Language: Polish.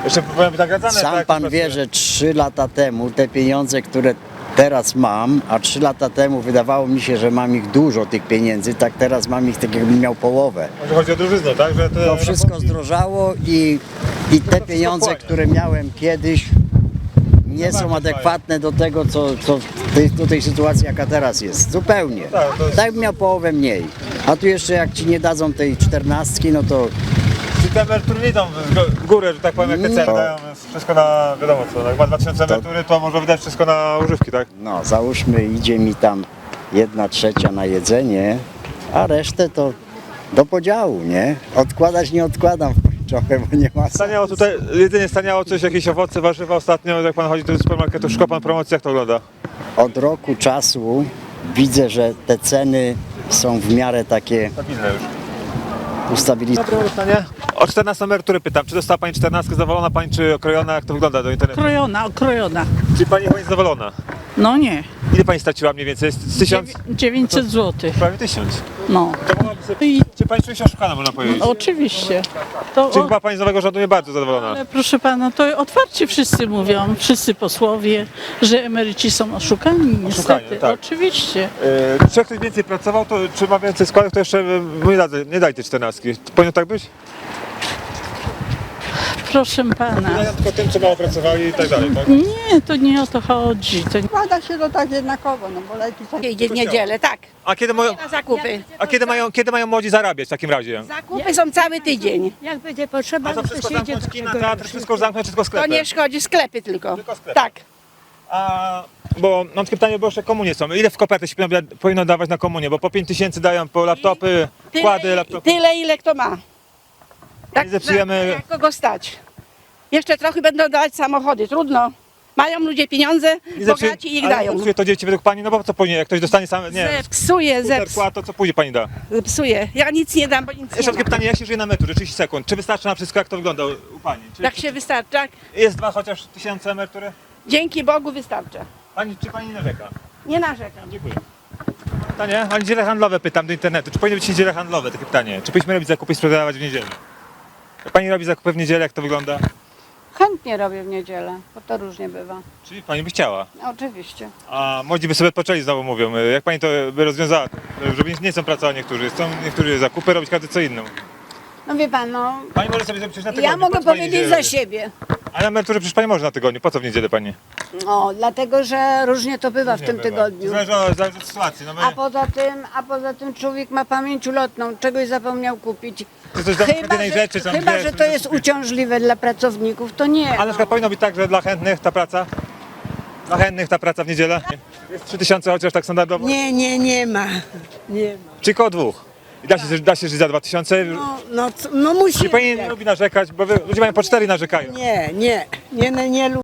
Jeszcze powinny być nagradzane. Sam tak, pan jak wie, że 3 lata temu te pieniądze, które teraz mam, a 3 lata temu wydawało mi się, że mam ich dużo, tych pieniędzy, tak teraz mam ich tak jakbym miał połowę. Może chodzi o drożyznę, tak? Że te To wszystko rachunki- zdrożało i te pieniądze, wchłania. które miałem kiedyś, nie są adekwatne do tego, do tej sytuacji, jaka teraz jest. Zupełnie. Tak, to jest- Tak bym miał połowę mniej. A tu jeszcze jak ci nie dadzą tej 14, no to Czy te emerytury nie idą w górę, że tak powiem, jak te ceny No. dają wszystko na, wiadomo co, jak ma 2000 emerytury, to może wydać wszystko na używki, tak? no załóżmy idzie mi tam 1/3 na jedzenie, a resztę to do podziału, nie? Odkładać nie odkładam trochę, bo nie ma sensu. Staniało tutaj, jedynie staniało coś, jakieś owoce, warzywa ostatnio, jak pan chodzi do supermarketu, szuka pan promocji, jak to wygląda? Od roku czasu widzę, że te ceny są w miarę takie Stabilne już. ustabilizowane. Dobre pytanie. O 14 emerytury pytam, czy dostała pani 14, zadowolona pani, czy okrojona, jak to wygląda do internetu? Okrojona. Czy pani chyba jest zadowolona? No nie. Ile pani straciła mniej więcej? Z 1000? 900 zł. Prawie 1000. No. To mogłaby sobie... I Czy pani czuje się oszukana, można powiedzieć? oczywiście. To, Czy chyba pani z nowego rządu nie bardzo zadowolona? ale proszę pana, to otwarcie wszyscy mówią, wszyscy posłowie, że emeryci są oszukani. Niestety. tak. Oczywiście. Czy jak ktoś więcej pracował, to czy ma więcej składek, to jeszcze nie daj tej 14. Powinno tak być? Proszę pana. Ja tylko tym, co mało pracowali i tak dalej, tak? Nie, to nie o to chodzi. To Składa się to tak jednakowo, no bo leki są... Idzie w niedzielę, tak, A na zakupy. kiedy mają młodzi zarabiać w takim razie? Zakupy są cały tydzień. Jak będzie potrzeba, A to wszystko się idzie zamknąć do kina, tego. teatr, wszystko już zamknąć, wszystko To sklepy. nie szkodzi, sklepy tylko. Tylko sklepy. Tak. A, bo mam takie pytanie, bo jeszcze komunie są. Ile w kopertę się powinno dawać na komunię? Bo po 5000 dają po laptopy, kłady, laptopy. Tyle, ile kto ma. Tak, Nie zepsujemy- jak kogo stać. Jeszcze trochę będą dawać samochody, trudno. Mają ludzie pieniądze, bogaci ich ale dają. zepsuje to dzieci według pani, no bo co później, jak ktoś dostanie sam, nie, Zepsuje, skuter, kład, to co później pani da? zepsuje. Ja nic nie dam, bo nic Jeszcze nie takie mam. pytanie, jak się żyje na emeryturze, 30 sekund. Czy wystarczy na wszystko, jak to wygląda u pani? Czy, Jak się wystarcza, tak? Jest chociaż 1000 emerytury? Dzięki Bogu wystarcza. Czy pani nie narzeka? Nie narzekam. Dziękuję. Pytanie, a niedziele handlowe pytam do internetu. Czy powinny być niedziele handlowe? Takie pytanie. Czy powinniśmy robić zakupy i sprzedawać w niedzielę? Jak pani robi zakupy w niedzielę, jak to wygląda? Chętnie robię w niedzielę, bo to różnie bywa. Czyli pani by chciała. Oczywiście. A młodzi by sobie odpoczęli, znowu mówią. Jak pani to by rozwiązała? Żeby nie chcą pracować niektórzy. Chcą niektórzy zakupy robić, każdy co inną. No wie pan, no, Pani może sobie zrobić coś na tygodniu. ja mogę po co pani powiedzieć niedzielę za robi? siebie. A na emeryturze przecież pani może na tygodniu. Po co w niedzielę pani? O, dlatego, że różnie to bywa w tym tygodniu. Zależy od sytuacji. No my, A poza tym człowiek ma pamięć ulotną, czegoś zapomniał kupić. czy coś zamówić jednej rzeczy, tam chyba dwie, że żeby to jest kupić. uciążliwe dla pracowników, to nie. A na przykład powinno być tak, że dla chętnych ta praca? Dla chętnych ta praca w niedzielę? Jest 3000 chociaż tak standardowo? Nie ma. Nie ma. Czy koło dwóch? I da się żyć za 2000? No musi. Nie pani nie lubi narzekać, bo ludzie mają po 4 i narzekają. Nie lubię.